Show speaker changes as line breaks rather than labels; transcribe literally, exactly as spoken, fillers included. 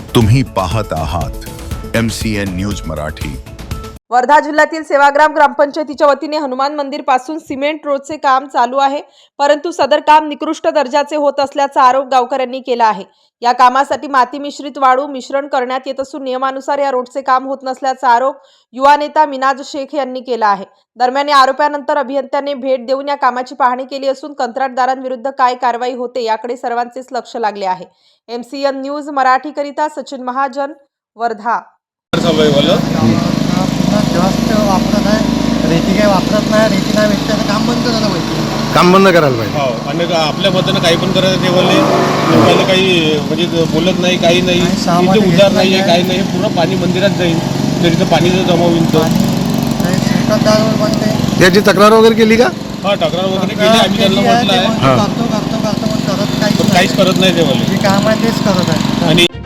तुम्ही पाहत आहात M C N news Marathi.
Wardha जिल्ह्यातील सेवाग्राम ग्रामपंचायतीच्या वतीने हनुमान मंदिर पासून सिमेंट रोडचे काम चालू आहे, परंतु सदर काम निकृष्ट दर्जाचे होत असल्याचा आरोप गावकऱ्यांनी केला आहे। या कामासाठी माती मिश्रित वाळू मिश्रण करण्यात येत असून नियमानुसार या रोडचे काम होत नसल्याचा आरोप युवा नेता मिनाज शेख यांनी केला आहे। दरम्यान या आरोपानंतर अभियंत्याने भेट देऊन या कामाची पाहणी केली असून कंत्राटदारांविरुद्ध काय कारवाई होते याकडे सर्वांचेच लक्ष लागले आहे। M C N news Marathi करिता सचिन महाजन, वर्धा।
जास्त वापरत आहे, रेती काही वापरत नाही, रेती नाही भेटते तर काम बंद करायला पाहिजे।
काम बंद करायला पाहिजे।
हो, आणि आपल्या मतानं काही पण करायचं ठेवले लोकांना काही म्हणजे बोलत नाही, काही नाही, इथे उधार नाही आहे, काही नाही, पूर्ण पाणी मंदिरात जाईल तर इथं पाणी जर जमा होईल तर
याची तक्रार वगैरे केली का?
हा, तक्रार वगैरे केली, आम्ही त्यांना म्हटलं आहे,
करतो करतो करतो पण करत
पण काहीच करत नाही ते वाले
काम आहे तेच करत आहे।
आणि